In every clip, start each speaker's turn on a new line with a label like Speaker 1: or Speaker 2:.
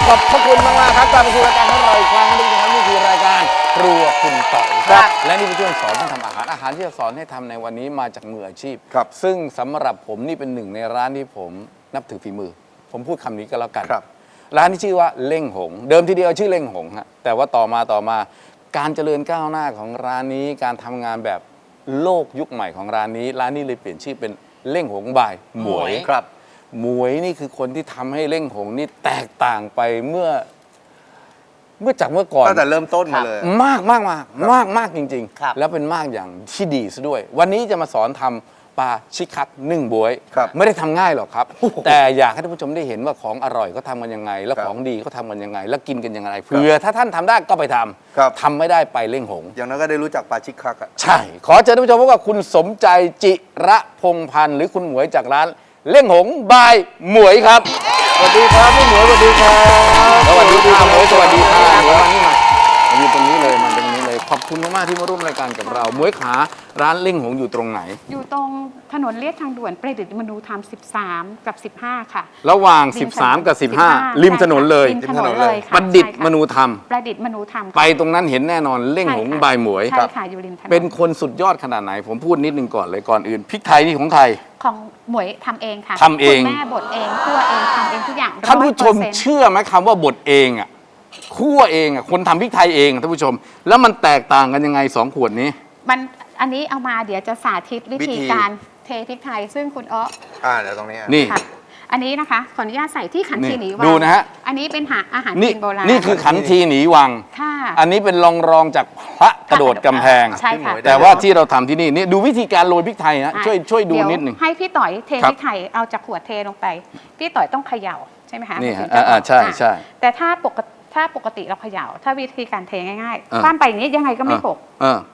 Speaker 1: ขอบพระคุณมากๆครับกลับมาสู่รายการของเราอีกครั้งนึงนะครับนี่คือรายการครัวคุณต่อยครับและนี่เป็นช่วงสอนท่านทำอาหารที่จะสอนให้ทำในวันนี้มาจากมืออาชีพ
Speaker 2: ครับ
Speaker 1: ซึ่งสำหรับผมนี่เป็นหนึ่งในร้านที่ผมนับถือฝีมือผมพูดคำนี้ก็แล้วกันร้านที่ชื่อว่าเล่งหงเดิมทีเดียวชื่อเล่งหงฮะแต่ว่าต่อมาการเจริญก้าวหน้าของร้านนี้การทำงานแบบโลกยุคใหม่ของร้านนี้เลยเปลี่ยนชื่อเป็นเล่งหงบายหมวย
Speaker 2: ครับ
Speaker 1: หมวยนี่คือคนที่ทำให้เล่งหงนี่แตกต่างไปเมื่อจากเมื่อก่อน
Speaker 2: ตั้งแต่เริ่มต้นมาเลย
Speaker 1: มากจริงๆแล้วเป็นมากอย่างที่ดีซะด้วยวันนี้จะมาสอนทำปลาชิคักนึ่งบวยไม่ได้ทำง่ายหรอกครับแต่อยากให้ท่านผู้ชมได้เห็นว่าของอร่อยเขาทำกันยังไงแล้วของดีเขาทำกันยังไงแล้วกินกันยังไงเผื่อถ้าท่านทำได้ก็ไปทำทำไม่ได้ไปเล่งหง
Speaker 2: อย่างนั้นก็ได้รู้จักปลาชิคักอ่ะ
Speaker 1: ใช่ขอเชิญท่านผู้ชมพบกับคุณสมใจจิระพงพันธ์หรือคุณหมวยจากร้านเล่งหงบายหมวยครับ
Speaker 2: สวัสดีครับพี่หมวยสวัสดีครับ
Speaker 1: สวัสดีครับหมวยสวัสดีครับหมวยมาอยู่ตรงนี้เลยมาตรงนี้เลยขอบคุณมากๆที่มาร่วมรายการกับเราหมวยขาร้านเล่งหงอยู่ตรงไหน
Speaker 3: อยู่ตรงถนนเลียบทางด่วนประดิษฐ์มนูธรรม13กับ15ค่ะ
Speaker 1: ระหว่าง13กับ15ริมถนนเลย
Speaker 3: ริมถนนเลย
Speaker 1: ประดิษฐ์มนูธรรม
Speaker 3: ประดิษฐ์มนูธรรม
Speaker 1: ไปตรงนั้นเห็นแน่นอนเล่งหงบายหมวย
Speaker 3: ใช่ค่ะอยู่ริมถนน
Speaker 1: เป็นคนสุดยอดขนาดไหนผมพูดนิดนึงก่อนเลยก่อนอื่นพริกไทยนี่ของใคร
Speaker 3: ของหมวยทำเองค่ะ
Speaker 1: ทำเอง
Speaker 3: คุณแม่บดเองคั่วเองทำเองทุกอย่าง
Speaker 1: ท่านผู้ชมเชื่อไหมคำว่าบดเองอ่ะคั่วเองอ่ะคนทำพริกไทยเองท่านผู้ชมแล้วมันแตกต่างกันยังไง2 ขวดนี้
Speaker 3: มันอันนี้เอามาเดี๋ยวจะสาธิตวิธีการเทพริกไทยซึ่งคุณ
Speaker 2: เดี๋ยวตรงนี้
Speaker 1: นี่
Speaker 3: อันนี้นะคะขออนุญาตใส่ที่ขันทีหนีวั
Speaker 1: งดูนะฮะ
Speaker 3: อันนี้เป็นอาหารจีนโบราณ
Speaker 1: นี่คือขันทีหนีวังอันนี้เป็นรองจากพระกระโดดกำแพง
Speaker 3: ใช่ค่ะ
Speaker 1: แต่ว่าที่เราทำที่นี่ดูวิธีการโรยพริกไทยนะช่วยดูนิดนึง
Speaker 3: ให้พี่ต่อยเทพริกไทยเอาจากขวดเทลงไปพี่ต่อยต้องเขย่าใช่ไหมคะ
Speaker 1: นี่ใช่
Speaker 3: แต่ถ้าปกติเราเขย่าถ้าวิธีการเทง่ายๆคว่ำไปอย่างนี้ยังไงก็ไม่หก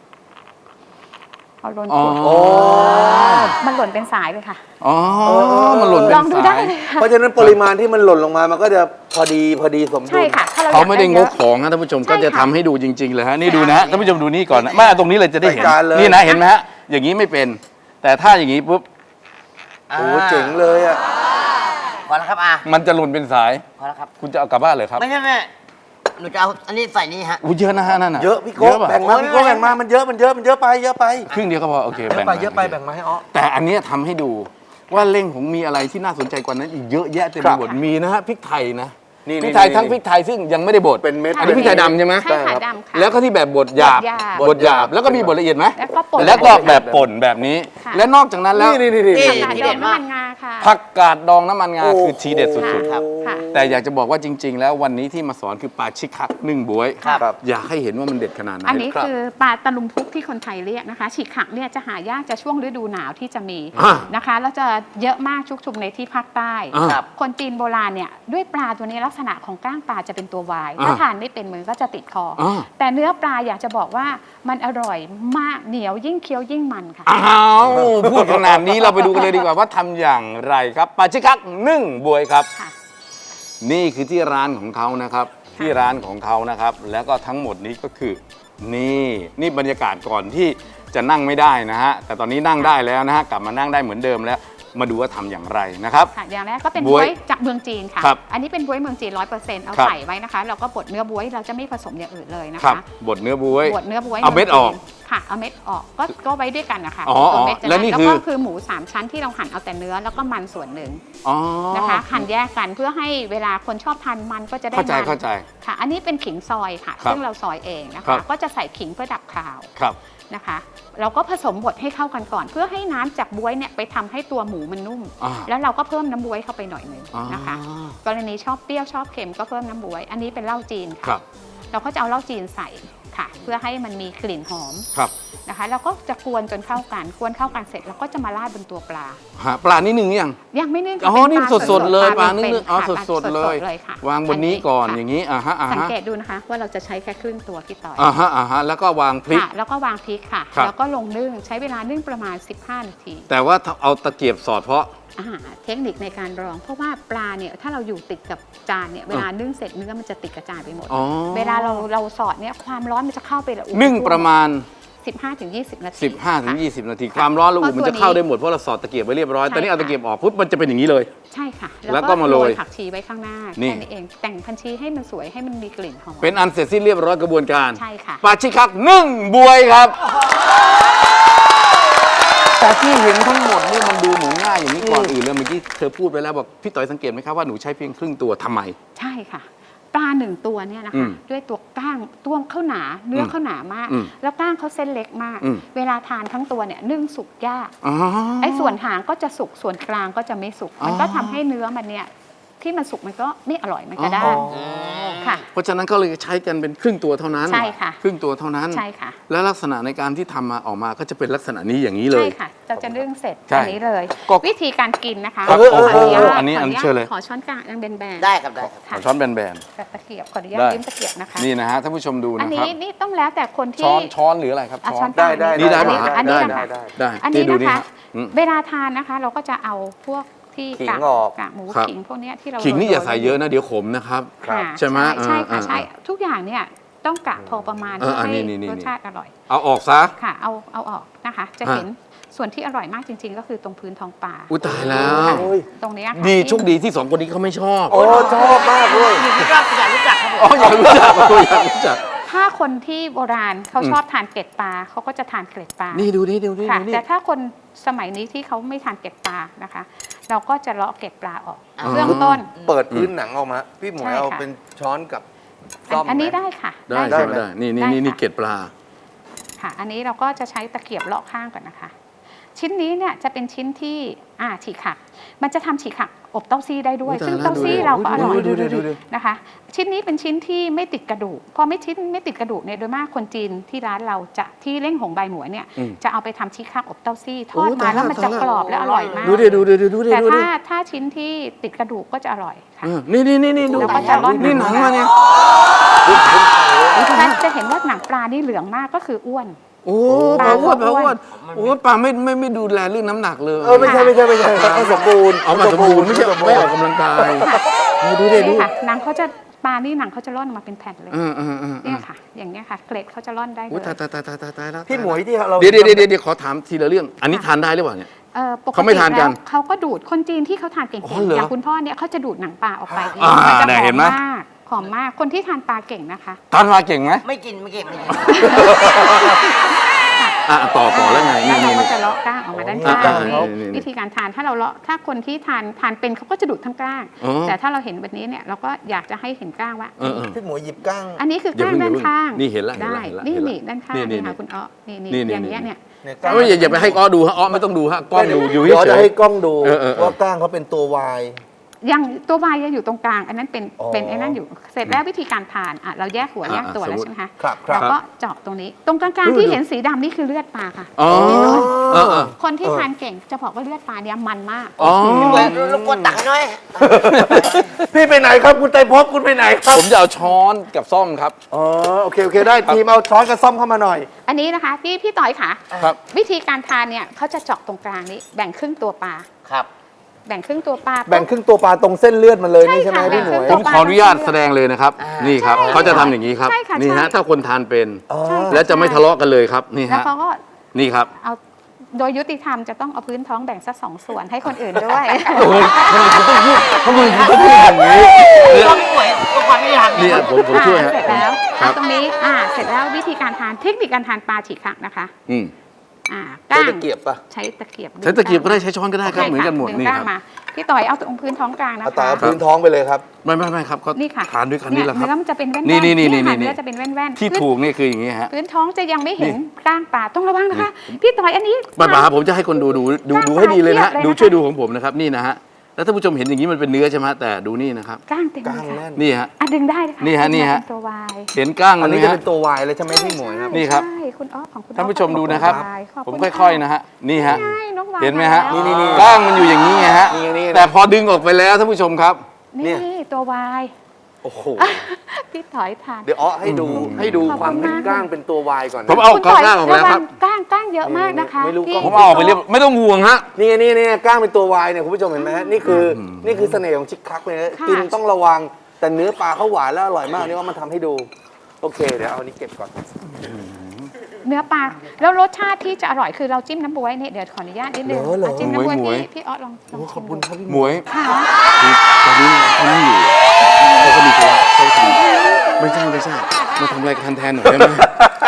Speaker 3: เอาหล่นมันหล่นเป็นสายเลยค่ะ
Speaker 1: มันหล่นเป็นสายลองดูได้
Speaker 2: เพราะฉะนั้นปริมาณที่มันหล่นลงมามันก็จะพอดีสมดุล
Speaker 3: ใช่ค่ะ
Speaker 1: เขาไม่ได้งกของนะท่านผู้ชมก็จะทำให้ดูจริงๆเลยฮะนี่ดูนะฮะท่านผู้ชมดูนี่ก่อนนะไม่ตรงนี้เลยจะได้เห็นนี่นะเห็นไหมฮะอย่างนี้ไม่เป็นแต่ถ้าอย่างนี้ปุ๊บ
Speaker 2: โอ้เจ๋งเลยอ่ะ
Speaker 4: พอแล้วครับ
Speaker 1: มันจะหล่นเป็นสาย
Speaker 4: พอแล้วครับ
Speaker 1: คุณจะเอากลับบ้านเลยครับ
Speaker 4: ไม่หนูจะเอาอันนี้ใส่นี่ฮะ
Speaker 1: เยอะนะฮะนั่นน่ะ
Speaker 2: เยอะพี่โก้แบ่งมาพี่โก้แบ่งมามันเยอะไป
Speaker 1: ครึ่งเดียวก็พอโอเค
Speaker 2: แบ่งไปแบ่งมาให้
Speaker 1: แต่อันนี้ทำให้ดูว่าเล่งผมมีอะไรที่น่าสนใจกว่านั้นอีกเยอะแยะเต็มไปหมดมีนะฮะพริกไทยนะพริกไทยทั้งพริกไทยซึ่งยังไม่ได้บด
Speaker 2: เป็นเม็ด
Speaker 1: อันนี้พริกไทยดำใช่ไหม
Speaker 3: ใช่ค่ะดำค่ะ
Speaker 1: แล้วก็ที่แบบบดหยาบแล้วก็มีบดละเอียดไหม
Speaker 3: แล้ว
Speaker 1: ก็แบบป่นแบบนี้และนอกจากนั้นแล้ว
Speaker 3: ทีเด็ดน้ำมันงาค่ะ
Speaker 1: ผักกาดดองน้ำมันงาคือทีเด็ดสุดๆครับแต่อยากจะบอกว่าจริงๆแล้ววันนี้ที่มาสอนคือปลาชิคักนึ่งบ๊วยอยากให้เห็นว่ามันเด็ดขนาดไหน
Speaker 3: อันนี้คือปลาตะลุมพุกที่คนไทยเรียกนะคะชิคักเนี่ยจะหายากจะช่วงฤดูหนาวที่จะมีนะคะแล้วจะเยอะมากชุกชุมในที่ภาคใต้คนจีนโบราณเนี่ยด้วยปลาตัวนี้ลักษณะของก้างปลาจะเป็นตัววายถ้าทานไม่เป็นมือก็จะติดคอแต่เนื้อปลาอยากจะบอกว่ามันอร่อยมากเหนียวยิ่งเคี้ยวยิ่งมันค่ะ
Speaker 1: พูดขนาดนี้เราไปดูกันเลยดีกว่าว่าทำอย่างไรครับปลาชิคักนึ่งบ๊วยครับนี่คือที่ร้านของเขานะครับที่ร้านของเขานะครับแล้วก็ทั้งหมดนี้ก็คือนี่บรรยากาศก่อนที่จะนั่งไม่ได้นะฮะแต่ตอนนี้นั่งได้แล้วนะฮะกลับมานั่งได้เหมือนเดิมแล้วมาดูว่าทำอย่างไรนะครับ
Speaker 3: อย่างแรกก็เป็นบ๊วยจากเมืองจีนค่ะอันนี้เป็นบ๊วยเมืองจีน 100% เอาใส่ไว้นะคะเราก็บดเนื้อบ๊วยเราจะไม่ผสมอย่างอื่นเลยนะคะ
Speaker 1: บดเนื้อบ๊วย
Speaker 3: เอา
Speaker 1: เม็ดออก
Speaker 3: ค่ะเอาเม็ดออกก็ไว้ด้วยกันนะคะ
Speaker 1: แล้วนี่
Speaker 3: คือหมู3ชั้นที่เราหั่นเอาแต่เนื้อแล้วก็มันส่วนหนึ่งนะคะหั่นแยกกันเพื่อให้เวลาคนชอบทานมันก็จะได้มัน
Speaker 1: เข้าใจ
Speaker 3: ค่ะอันนี้เป็นขิงซอยค่ะซึ่งเราซอยเองนะคะก็จะใส่ขิงเพื่อดับคาวนะคะเราก็ผสมบดให้เข้ากันก่อนเพื่อให้น้ำจากบ๊วยเนี่ยไปทำให้ตัวหมูมันนุ่มแล้วเราก็เพิ่มน้ำบ๊วยเข้าไปหน่อยนึงนะคะกรณีชอบเปรี้ยวชอบเค็มก็เพิ่มน้ำบ๊วยอันนี้เป็นเหล้าจีนค่ะเราก็จะเอาเหล้าจีนใส่ค่ะเพื่อให้มันมีกลิ่นหอมนะคะแล้วก็จะกวนจนเข้ากันเสร็จแล้วก็จะมาราดบนตัวปลา
Speaker 1: ปลานี่นึ่ง
Speaker 3: ยังไม่นึ่ง
Speaker 1: นี่สดๆเลยปลานึ่งสดๆเลยวางบนนี้ก่อนอย่างนี้
Speaker 3: สังเกตดูนะคะว่าเราจะใช้แค่ครึ่งตัวพี่ต่อย
Speaker 1: แล้วก็วางพริก
Speaker 3: ค่ะแล้วก็ลงนึ่งใช้เวลานึ่งประมาณ15 นาที
Speaker 1: แต่ว่าเอาตะเกียบสอดเพราะ
Speaker 3: เทคนิคในการรองเพราะว่าปลาเนี่ยถ้าเราอยู่ติดกับจานเนี่ยเวลานึ่งเสร็จเนื้อมันจะติดกับจานไปหมดเวลาเราสอดเนี่ยความร้อนมันจะเข้าไป
Speaker 1: นึ่งประมาณ
Speaker 3: 15-20 นาที
Speaker 1: 15-20 นาทีความร้อนระอุมันจะเข้าได้หมดเพราะเราสอดตะเกียบไว้เรียบร้อย
Speaker 3: ใช่
Speaker 1: ตอนนี้เอา
Speaker 3: ค่ะ
Speaker 1: ตะเกียบออกปุ๊บมันจะเป็นอย่างนี้เลย
Speaker 3: ใช่ค่ะ
Speaker 1: แล้วก็มาโรย
Speaker 3: ผักชีไว้ข้างหน้า
Speaker 1: นี่
Speaker 3: แค่นี้เองแต่งพันชีให้มันสวยให้มันมีกลิ่นหอม
Speaker 1: เป็นอันเสร็จสิ้นเรียบร้อยกระบวนการ
Speaker 3: ใช่ค่ะ
Speaker 1: ปาชิคักนึ่งบวยครับ แต่ที่เห็นทั้งหมดนี่มันดูเหมือนง่ายอย่างนี้ก่อนอื่นเลยเมื่อกี้เธอพูดไปแล้วบอกพี่ต่อยสังเกตไหมครับว่าหนูใช้เพียงครึ่งตัวทำไม
Speaker 3: ใช่ค่ะ ปลาหนึ่งตัวเนี่ยนะ
Speaker 1: อื
Speaker 3: คะ
Speaker 1: ม
Speaker 3: ด้วยตัวก้างตัวเขาหนาเนื้อเขาหนามาก
Speaker 1: อืม
Speaker 3: แล้วก้างเขาเส้นเล็กมาก
Speaker 1: อืม
Speaker 3: เวลาทานทั้งตัวเนี่ยนึ่งสุกยาก
Speaker 1: อ๋อ
Speaker 3: ไอ้ส่วนหางก็จะสุกส่วนกลางก็จะไม่สุก
Speaker 1: อ๋อ
Speaker 3: มันก็ทำให้เนื้อมันเนี่ยที่มันสุกมันก็ไม่อร่อยมันก็ได้
Speaker 1: อ๋อ
Speaker 3: ค่ะ
Speaker 1: เพราะฉะนั้นก็เลยใช้กันเป็นครึ่งตัวเท่านั้น
Speaker 3: ใช่ค่ะ
Speaker 1: ครึ่งตัวเท่านั้น
Speaker 3: ใช่ค่ะ
Speaker 1: แล้วลักษณะในการที่ทำมาออกมาก็จะเป็นลักษณะนี้อย่างนี้เลย
Speaker 3: ใช่ค่ะเราจะนึ่งเสร็จ
Speaker 1: ใช่
Speaker 3: อันนี้เลย
Speaker 1: ก็
Speaker 3: วิธีการกินนะคะ
Speaker 1: ครับ
Speaker 3: ขออนุญาต
Speaker 1: อันนี้
Speaker 3: ขออนุญาต
Speaker 1: เชิญเลย
Speaker 3: ขอช้อนกลางยังแบนๆ
Speaker 4: ได้ครับได้ครับ
Speaker 1: ขอช้อนแบน
Speaker 3: กับตะเกียบขออนุญาต
Speaker 1: ได้
Speaker 3: ยืมตะเกียบนะคะ
Speaker 1: ๆนี่นะฮะท่านผู้ชมดู
Speaker 3: อัน
Speaker 1: นะค
Speaker 3: นี้
Speaker 1: รับ
Speaker 3: นี่ต้องแล้วแต่คนที่
Speaker 1: ช้อนหรืออะไรครับ
Speaker 3: อ่ะ
Speaker 1: ช้อน
Speaker 3: กลาง
Speaker 2: ได้
Speaker 1: นี่ได้ไหม
Speaker 3: อันนี้
Speaker 1: ได้
Speaker 3: นะคะ
Speaker 1: ได้
Speaker 3: อันนี้
Speaker 1: ดู
Speaker 3: นะคะ
Speaker 1: ฮอืม
Speaker 3: เวลาทานนะคะ เราก็จะเอาพวกที่
Speaker 2: ขิง
Speaker 3: กาก
Speaker 2: ออก
Speaker 3: กากหมู
Speaker 1: ครับ
Speaker 3: ขิงพวกเนี้ยที่เรา
Speaker 1: ขิงนี่อย่า
Speaker 3: โร
Speaker 1: ใส่เยอะนะเดี๋ยวขมนะครับ
Speaker 3: ค่ะ
Speaker 1: ใช่ไหม
Speaker 3: ใช่ค่ะ
Speaker 1: อ่า
Speaker 3: ใช่ทุกอย่างเนี่ยต้องกะพอประมาณ
Speaker 1: เออ
Speaker 3: เพื่อให้
Speaker 1: นี่
Speaker 3: รสชาติอร่อย
Speaker 1: เอาออกซะ
Speaker 3: ค่ะ เอาออกนะคะ จะเห็นส่วนที่อร่อยมากจริง ๆ ก็คือตรงพื้นท้องปลา
Speaker 1: อุ้ยตายแล้ว
Speaker 2: โอ้ย
Speaker 3: ตรงเนี้ยค่ะ
Speaker 1: ดี
Speaker 3: ที่
Speaker 1: โชคดีที่สองคนนี้เขาไม่ชอบ
Speaker 2: โอ้ชอบมากเลย
Speaker 4: อยู่ที่รอบอยากรู้จักครับผม
Speaker 1: อ๋ออยากรู้จักอยากรู้จัก
Speaker 3: ถ้าคนที่โบราณเขา
Speaker 1: อืม
Speaker 3: ชอบทานเกล็ดปลาเขาก็จะทานเกล็ดปลา
Speaker 1: นี่ดูนี่ดูนี่
Speaker 3: ค่ะ
Speaker 1: ดูนี่
Speaker 3: แต่ถ้าคนสมัยนี้ที่เขาไม่ทานเกล็ดปลานะคะ เราก็จะเลาะเกล็ดปลาออก
Speaker 1: อ๋อ
Speaker 3: เบื้องต้น
Speaker 2: เปิดพื้นหนังออกมา พี่หมวย
Speaker 3: ใช่
Speaker 2: เอา
Speaker 3: ค่ะ
Speaker 2: เป็นช้อนกับซ่อม
Speaker 3: อันนี้
Speaker 2: ไหม
Speaker 3: ได้ค่ะ
Speaker 1: ได้
Speaker 2: ได้
Speaker 1: ใช่
Speaker 2: ไหม
Speaker 1: ได้นี่
Speaker 3: ได้
Speaker 1: นี่
Speaker 3: ค่ะ
Speaker 1: เกล็ดปลา
Speaker 3: ค่ะ อันนี้เราก็จะใช้ตะเกียบเลาะข้างก่อนนะคะ ชิ้นนี้เนี่ยจะเป็นชิ้นที่ฉีกขักมันจะทำฉีกขักอบเต้าซี่ได้ด้วย
Speaker 1: อุ๊ย
Speaker 3: ซึ่ง
Speaker 1: ตายแล้ว
Speaker 3: เต้าซี่
Speaker 1: ดูดิ
Speaker 3: เราก็อร่อย
Speaker 1: ดูดิ
Speaker 3: นะคะ ชิ้นนี้เป็นชิ้นที่ไม่ติดกระดูกพอไม่ติดกระดูกเนี่ยโดยมากคนจีนที่ร้านเราจะที่เล่งหงใบหมวยเนี่ย
Speaker 1: อืม
Speaker 3: จะเอาไปทำชีกขักอบเต้าซี่ทอด
Speaker 1: โอ้
Speaker 3: มา
Speaker 1: ตายแล้ว
Speaker 3: แล้วมันจะ
Speaker 1: ตายแล้ว
Speaker 3: กรอบและอร่อยมาก
Speaker 1: ดูดิดูดิดูดิ
Speaker 3: แต่
Speaker 1: ดูดิ
Speaker 3: ถ้าชิ้นที่ติดกระดูกก็จะอร่อยค่ะ
Speaker 1: นี่ดู
Speaker 3: เราก็จะร่อน
Speaker 1: นี่หนังมาเนี่ย
Speaker 3: จะเห็นว่าหนังปลานี่เหลืองมากก็คืออ้วน
Speaker 1: โอ้
Speaker 3: ป
Speaker 1: ป
Speaker 3: ลา
Speaker 1: ลาอ้วน
Speaker 3: ก็
Speaker 1: ปลา
Speaker 3: อ้
Speaker 1: อ้
Speaker 3: ว
Speaker 1: วน นโอ้ปลาไม่ดูแลเรื่องน้ำหนักเลย
Speaker 2: ไม่ใช่ให้สมบูรณ์
Speaker 1: เอามาสมบูรณ์ไม่ใช่ไม่ออกกำลังกายดูดิดู
Speaker 3: นี่ค่ะหนังเขาจะปลานี่หนังเขาจะร่อนออกมาเป็นแผ่นเลย
Speaker 1: เ
Speaker 3: เนี่ยค่ะ อย่างเนี้ยค่ะ เกล็ดเขาจะร่อนได้เล
Speaker 1: โอ้
Speaker 3: ย
Speaker 1: ตายแล้ว
Speaker 2: พี่หมวยที่เรา
Speaker 1: เดี๋ยวขอถามทีละเรื่อง อันนี้ทานได้หรือเปล่าเนี่ย
Speaker 3: ปก
Speaker 1: เขาไม่
Speaker 3: ติ
Speaker 1: ทานกัน
Speaker 3: แล้วเขาก็ดูดคนจีนที่เขาทานเก่ง
Speaker 1: อ๋อเหรอ
Speaker 3: ๆอย่างคุณพ่อเนี่ยเขาจะดูดหนังปลาออกไปเอง
Speaker 1: อ่า
Speaker 3: มันจะ
Speaker 1: เนี่ย
Speaker 3: หอ
Speaker 1: เห็
Speaker 3: ม
Speaker 1: นไหม
Speaker 3: มากหอมมากคนที่ทานปลาเก่งนะคะ
Speaker 1: ทานมาเก่งไหม
Speaker 4: ไม่กินไม่กิน
Speaker 1: ต่อแล้วไง
Speaker 3: แล้วเรา
Speaker 1: นี่
Speaker 3: ก็จะเลาะก้างออกมาด้าน
Speaker 1: อ่า
Speaker 3: ข้าง
Speaker 1: อ่า
Speaker 3: นี้
Speaker 1: นี่
Speaker 3: วิธีการทานถ้าเราเลาะถ้าคนที่ทานเป็นเขาก็จะดูดทั้งก้าง
Speaker 1: อ๋อ
Speaker 3: แต่ถ้าเราเห็นแบบนี้เนี่ยเราก็อยากจะให้เห็นก้างว่า
Speaker 2: พี่หมวยหยิบก้าง
Speaker 3: อันนี้คือ
Speaker 1: อย่า
Speaker 3: ก้าง
Speaker 1: เพิ่ง
Speaker 3: ด้านข้าง
Speaker 1: นี่เห็นละ
Speaker 3: ได้
Speaker 1: เห็นละ
Speaker 3: นี่
Speaker 1: เห็นละ
Speaker 3: นี่ด้านข้าง
Speaker 1: นี่
Speaker 3: นี่ค่ะคุณอ้อนี่
Speaker 1: นี่
Speaker 3: อย่างเงี้ยเนี่ย
Speaker 1: เอ้ยอย่าไปให้อ้อดูฮะอ้อไม่ต้องดูฮะกล้องดูอยู่
Speaker 2: เดี๋ยว
Speaker 1: เฉ
Speaker 2: จะ
Speaker 1: ย
Speaker 2: ให้กล้องดู
Speaker 1: เออ
Speaker 2: ว่าก้างเขาเป็นตัววาย
Speaker 3: ยังตัววายยังอยู่ตรงกลางอันนั้นเป็น
Speaker 2: อ๋อ
Speaker 3: เป็นไอ้นั่นอยู่เสร็จแล้ววิธีการทานเราแยกหัวแยกตัวแล้ว
Speaker 1: สมมุติ
Speaker 3: ใช่ไหมคะ
Speaker 2: ครับ
Speaker 3: เราก็เจาะตรงนี้ตรงกลางๆที่เห็นสีดำนี่คือเลือดปลาค่ะ
Speaker 1: อ๋อเออ
Speaker 3: คนที่ทานเก่งจะบอกว่าเลือดปลาเนี่ยมันมาก
Speaker 1: อ๋อ
Speaker 4: รบกวนตักให้หน่อย
Speaker 2: พี่ไปไหนครับคุณไตรภพคุณไปไหนครับ
Speaker 1: ผมจะเอาช้อนกับซ่อมครับ
Speaker 2: อ๋อโอเคได้ทีมเอาช้อนกับซ่อมเข้ามาหน่อย
Speaker 3: อันนี้นะคะพี่ต่อยค่ะ
Speaker 1: ครับ
Speaker 3: วิธีการทานเนี่ยเขาจะเจาะตรงกลางนี้แบ่งครึ่งตัวปลา
Speaker 4: ครับ
Speaker 3: แบ่งครึ่งตัวปลา
Speaker 2: แบ่งครึ่งตัวปลาตรงเส้นเลือดมันเลยนี่ใช่ไหม
Speaker 3: ใช่ค่ะ
Speaker 2: พี่หมวย
Speaker 3: แบ่งค
Speaker 1: ผ
Speaker 3: รึ่
Speaker 1: ม
Speaker 3: ง
Speaker 1: ขออนุญาตแสดงเลยนะครับ นี่ครับ
Speaker 3: ใช่
Speaker 1: เขาจะทำอย่างนี้ครับ
Speaker 3: ใช่ค่ะ
Speaker 1: นี่ฮะ
Speaker 3: ใช่
Speaker 1: ถ้าคนทานเป็น
Speaker 2: อ๋อ
Speaker 1: แล้วจะไม่ทะเลาะกันเลยครับนี่
Speaker 3: แล้ว
Speaker 1: ฮะ
Speaker 3: เขาก็
Speaker 1: นี่ครับ
Speaker 3: เอาโดยยุติธรรมจะต้องเอาพื้นท้องแบ่งสัก2 ส่วนให้คนอื่นด้วย
Speaker 1: โอ้ยทำไมคุณต้องพูดอย่างนี้
Speaker 4: ก็ไม่ป่วยก็ความไม่ทำ
Speaker 1: นี่ผมช่วยฮะ
Speaker 3: เสร็จแล้ว
Speaker 1: ครับ
Speaker 3: ตรงนี้เสร็จแล้ววิธีการทานเทคนิคการทานปลาฉีกขักนะคะ
Speaker 1: อืม
Speaker 3: ก้าง
Speaker 2: ใช้ตะเกียบปะ
Speaker 3: ใช้ตะเกียบ
Speaker 1: ใช้ตะเกียบก็ได้ใช้ช้อนก็ได้ครับเหมือนกันหมด
Speaker 3: ดึ
Speaker 1: นี่
Speaker 3: งก้า
Speaker 1: ค
Speaker 3: ง
Speaker 1: รับ
Speaker 3: มาพี่ต่อยเอาตรงพื้นท้องกลางนะ
Speaker 2: เอาต่อ
Speaker 3: คะ
Speaker 2: เอาพื้นท้องไปเลยครับ
Speaker 1: ไม่ครับเขา
Speaker 3: นี่ค่ะ
Speaker 1: ทานด้วยกันนี่แหละครับ
Speaker 3: เนื้อมันจะเป็นแว่นๆ
Speaker 1: นี่
Speaker 3: ค่ะ
Speaker 1: นี่
Speaker 3: เนื้อจะเป็นแว่นๆ
Speaker 1: ที่ถูกนี่คืออย่างนี้ฮะ
Speaker 3: พื้นท้องจะยังไม่เห็นก้างปลาต้องระวังนะคะ พี่ต่อยอันนี้
Speaker 1: ป้าผมจะให้คนดูให้ดีเลยนะฮะดูช่วยดูของผมนะครับนี่นะฮะแล้วท่านผู้ชมเห็นอย่างนี้มันเป็นเนื้อใช่ไหมแต่ดูนี่นะครับ
Speaker 3: ก้างเต็มเลย
Speaker 2: ก้างแน่
Speaker 3: ค่ะ
Speaker 2: น
Speaker 1: นี่ฮะ
Speaker 3: ดึงได้เลยค่ะ
Speaker 1: นี่ฮะนี่ฮะ
Speaker 3: เป็นตัววาย
Speaker 1: เห็นก้าง
Speaker 2: อั
Speaker 1: มัน นไหม
Speaker 2: นี้จะ
Speaker 1: ฮะ
Speaker 2: เป็นตัววายเลยใช่ไหมพี่หมวยครับ
Speaker 1: นี่ครับ
Speaker 3: ใช่คุณอ๊อฟของคุณ
Speaker 1: ท่านผู้ชมดูนะครับ
Speaker 3: ขอบ
Speaker 1: ผม
Speaker 3: ณ
Speaker 1: ค่อยๆนะฮะนี่ฮะ
Speaker 3: ง่ายน้องวาย
Speaker 1: เห็นไหมฮะ
Speaker 3: แล้ว
Speaker 2: นี่
Speaker 1: ก้างมันอยู่อย่างนี้ไงฮะ
Speaker 2: นี่
Speaker 1: แต่พอดึงออกไปแล้วท่านผู้ชมครับ
Speaker 3: นี่ตัววาย
Speaker 2: โอ้โห
Speaker 3: พี่ถอยทาน
Speaker 2: เดี๋ยวให้ดู
Speaker 3: ขอบ
Speaker 2: ความ
Speaker 3: คุณ
Speaker 2: เป็น
Speaker 3: มาก
Speaker 2: ก้างเป็นตัววายก่อนนะ
Speaker 1: ผมเอา
Speaker 3: คุณถอย
Speaker 1: ก้างออกแล้วครับ
Speaker 3: ะงก้างเยอะมากนะคะ
Speaker 2: ไม่รู้
Speaker 3: พี่
Speaker 2: กล้อง
Speaker 1: ผมเอาออกไปเรียบไม่ต้องห่วงฮะ
Speaker 2: นี่ก้างเป็นตัววายเนี่ยคุณผู้ชมเห็นไหมฮะนี่คือเสน่ห์ของชิคคักเลยนะ
Speaker 3: ค่ะ
Speaker 2: กินต้องระวังแต่เนื้อปลาเขาหวานแล้วอร่อยมากนี่ว่ามันทำให้ดู โอเคเดี๋ยวเอาอันนี้เก็บก่อน
Speaker 3: เนื้อปลาแล้วรสชาติที่จะอร่อยคือเราจิ้มน้ำบ๊วยเนี่ยเดี๋ยวขออนุญาตนิดนึง
Speaker 2: เหรอ
Speaker 3: จิ้มน้ำบ๊วย
Speaker 1: หมวย
Speaker 3: พี่ออสลอง
Speaker 2: โอ้ข
Speaker 3: ชิ
Speaker 2: อบ
Speaker 3: ม
Speaker 2: คุณ
Speaker 3: ดู
Speaker 2: ครับพี่
Speaker 1: หมวย
Speaker 3: ค่ะ
Speaker 1: คือตอนนี้เขาไม่อยู่เขาก็มีธุระเขาทำไม่ใช่มาทำรายการแทนหน่อยได้ไหม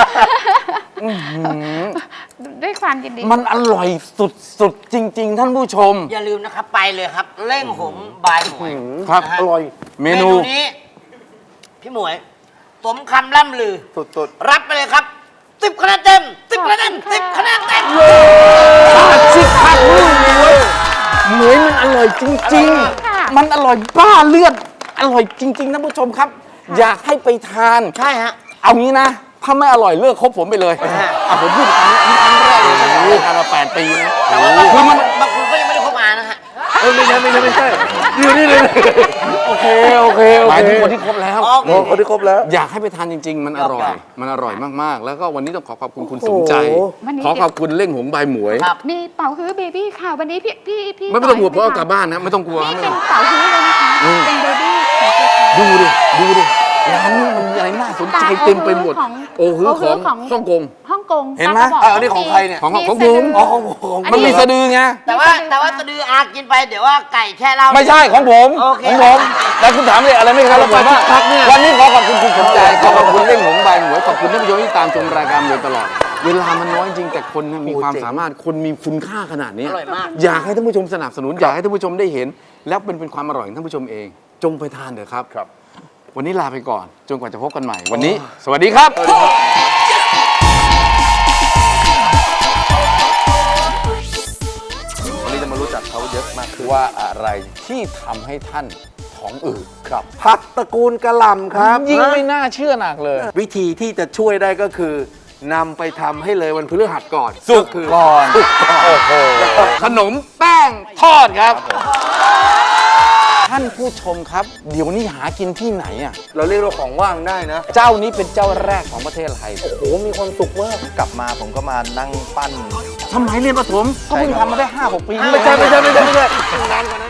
Speaker 3: ด้วยความยินดี
Speaker 1: มันอร่อยสุดๆจริง ๆ ท่านผู้ชม
Speaker 4: อย่าลืมนะครับไปเลยครับเล่งหงบายหมวย
Speaker 1: ครับ
Speaker 4: นะฮะ
Speaker 2: อร่อย
Speaker 1: เมนู
Speaker 4: นี้พี่หมวยสมคำล่ำลือ
Speaker 2: สุด
Speaker 4: รับไปเลยครับ10 คะแนนเต็ม10 คะแนนเต็ม10 คะแนนเต็ม
Speaker 1: ปลาชิคักนึ่งหมวยหมวยมันอร่อยจริง
Speaker 3: ค่ะ
Speaker 1: ๆ มันอร่อยบ้าเลือด อร่อยจริง ๆ ท่านผู้ชมครับ อยากให้ไปทาน
Speaker 4: ใช่ฮะ
Speaker 1: เอางี้นะ ถ้าไม่อร่อยเลิกคบผมไปเลยผมพูดครั้งนี้ครั้งแรกเลยนะผมทานมา8 ปีนะ
Speaker 4: แต่ว่า
Speaker 1: คือมัน
Speaker 4: บางคนก็ยังไม่ได้เข้ามานะฮะ
Speaker 2: ๆไม่ใช่อยู่นี่เลย โอเค
Speaker 1: หมายถึงคนที่คบแล้ว
Speaker 4: โอเค
Speaker 2: โอ้คนที่ครบแล้ว
Speaker 1: อยากให้ไปทานจริง ๆ มันอร่อย มันอร่อยมากๆ แล้วก็วันนี้ต้องขอขอบคุณคุณสมใจ
Speaker 2: โอ้โห
Speaker 3: วันนี้
Speaker 1: ขอขอบคุณเล่งหงใบหมวย
Speaker 4: ครับ
Speaker 3: มีเป่าฮื้อเบบี้ค่ะวันนี้พี่
Speaker 1: ไม่ต้องกลัวเพราะเอากลับบ้านนะ ไม่ต้องกลัว
Speaker 3: นี่
Speaker 1: ไม่
Speaker 3: เป็
Speaker 1: ต้
Speaker 3: น
Speaker 1: อง
Speaker 3: เป่าฮื้อเลยนะคะ
Speaker 1: อืม
Speaker 3: เป็นเบบี้ของตัวเอง
Speaker 1: ดูดิร้านนี้มันมีอะไรน่าสนใจเต็มไปหมด โอ้โหของฮ่องกง
Speaker 3: ฮ่องกง
Speaker 1: เห็นไหม
Speaker 3: ปลากระบอก
Speaker 2: อันนี้ของใครเนี่ย
Speaker 1: ของ
Speaker 3: มี
Speaker 1: ผม
Speaker 3: สะดื
Speaker 2: อ๋อของผม
Speaker 1: มันมีสะดือไง
Speaker 4: แต่ว่าสะดืออากินไปเดี๋ยวว่าไก่แช่เหล้า
Speaker 1: ไม่ใช่ของผม
Speaker 4: โอเค
Speaker 1: ของผมแล้วคุณถามเลยอะไรไม่ครับแล้วไปว่าวันนี้ขอขอบคุณคุณสมใจขอขอบคุณเล่งหงใบหมวยขอบคุณท่านผู้ชมที่ตามชมรายการโดยตลอด เวลามันน้อยจริงแต่คนน่ะมีความสามารถคนมีคุณค่าขนาดนี้
Speaker 4: อร่อยมาก
Speaker 1: อยากให้ท่านผู้ชมสนับสนุนอยากให้ท่านผู้ชมได้เห็น แล้วเป็นความอร่อยของท่านผู้ชมเอง จงไปทานเถอะครับ วันนี้ลาไปก่อนจนกว่าจะพบกันใหม่ วันนี้ สวัสดีครับ วันนี้จะมารู้จักเขาเยอะมากขึ้นว่าอะไรที่ทำให้ท่านท้องอืดครับ
Speaker 2: ผักตระกูลกะหล่ำครับ
Speaker 1: ยิ่งไม่น่าเชื่อหนักเลย
Speaker 2: วิธีที่จะช่วยได้ก็คือนำไปทำให้เลยวันพฤหัสก่อน
Speaker 1: สุก
Speaker 2: คือ
Speaker 1: ก่อนโอ้โหขนมแป้งทอดครับ ท่านผู้ชมครับ เดี๋ยวนี้หากินที่ไหนอ่ะ
Speaker 2: เราเรียกว่าของว่างได้นะ
Speaker 1: เจ้านี้เป็นเจ้าแรกของประเทศไทย
Speaker 2: โอ้โหมีความสุขมาก
Speaker 5: กลับมาผมก็มานั่งปั้น
Speaker 1: สมัยเรียนประถมก็เพิ่งทำมาได้ 5-6 ปี
Speaker 2: ไม่ใช่นานกว่านั้น